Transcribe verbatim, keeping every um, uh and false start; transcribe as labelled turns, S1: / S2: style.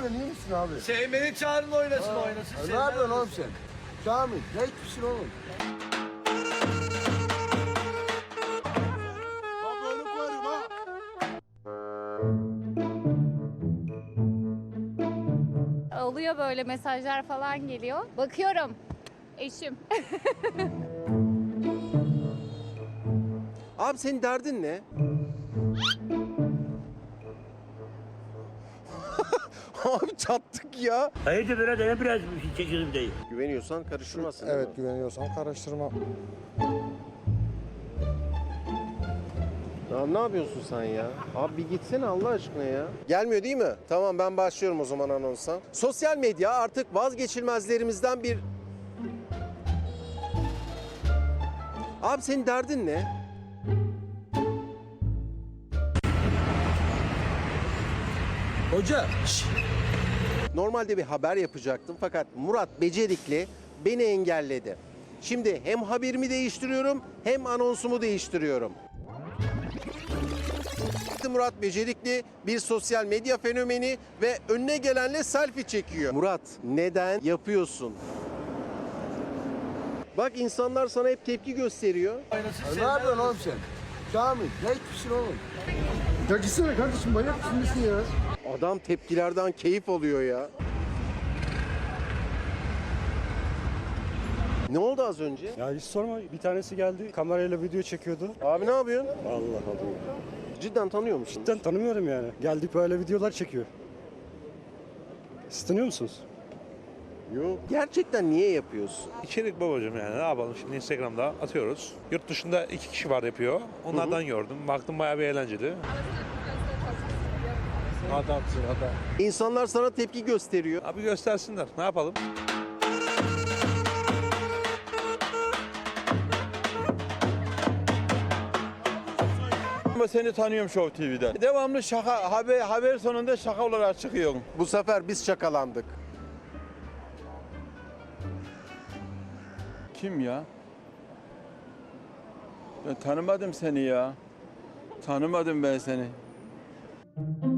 S1: yapıyorsun, iyi misin abi?
S2: Sevmeni çağırın oynasın
S1: Ha,
S2: oynasın.
S1: ha, ne
S2: Sevmeni
S1: yapıyorsun oğlum
S2: oynasın.
S1: sen? Kamil, ne içmişsin oğlum? Bak böyle koyarım ha.
S3: Oluyor böyle mesajlar falan geliyor. Bakıyorum. Eşim.
S4: Abi senin derdin ne? Abi çattık ya.
S5: Hayırdır böyle de biraz bir şey çekiyorum değil.
S4: Güveniyorsan karıştırmasın. değil
S6: Evet,
S4: mi?
S6: güveniyorsan karıştırma.
S4: Ya ne yapıyorsun sen ya? Abi bir gitsene Allah aşkına ya. Gelmiyor değil mi? Tamam ben başlıyorum o zaman anonsa. Sosyal medya artık vazgeçilmezlerimizden bir... Abi senin derdin ne?
S2: Hoca. Şşş.
S4: Normalde bir haber yapacaktım fakat Murat Becerikli beni engelledi. Şimdi hem haberimi değiştiriyorum hem anonsumu değiştiriyorum. Murat Becerikli bir sosyal medya fenomeni ve önüne gelenle selfie çekiyor. Murat neden yapıyorsun? Bak insanlar sana hep tepki gösteriyor.
S2: Oynasın.
S1: Ha,
S2: Sevmeni
S1: ne yapıyorsun oğlum
S2: oynasın.
S1: sen? Kamil, ne içmişsin oğlum? Ya gitsene kardeşim, manyak mısın nesin ya?
S4: Adam tepkilerden keyif alıyor ya. Ne oldu az önce?
S6: Ya hiç sorma, bir tanesi geldi kamerayla video çekiyordu.
S4: Abi ne yapıyorsun?
S6: Allah Allah.
S4: Cidden tanıyor musun?
S6: Cidden tanımıyorum yani. Geldik böyle videolar çekiyor. Siz tanıyor musunuz?
S4: Yok. Gerçekten niye yapıyorsun?
S7: İçerik babacığım yani ne yapalım şimdi Instagram'da atıyoruz. Yurt dışında iki kişi var yapıyor. Onlardan gördüm. Baktım bayağı bir eğlenceli.
S2: Adamsın adam.
S4: İnsanlar sana tepki gösteriyor.
S7: Abi göstersinler. Ne yapalım?
S8: Ama seni tanıyorum Show T V'den. Devamlı şaka, haber, haber sonunda şaka olarak çıkıyorsun.
S4: Bu sefer biz şakalandık.
S8: Kim ya? Ben tanımadım seni ya. Tanımadım ben seni.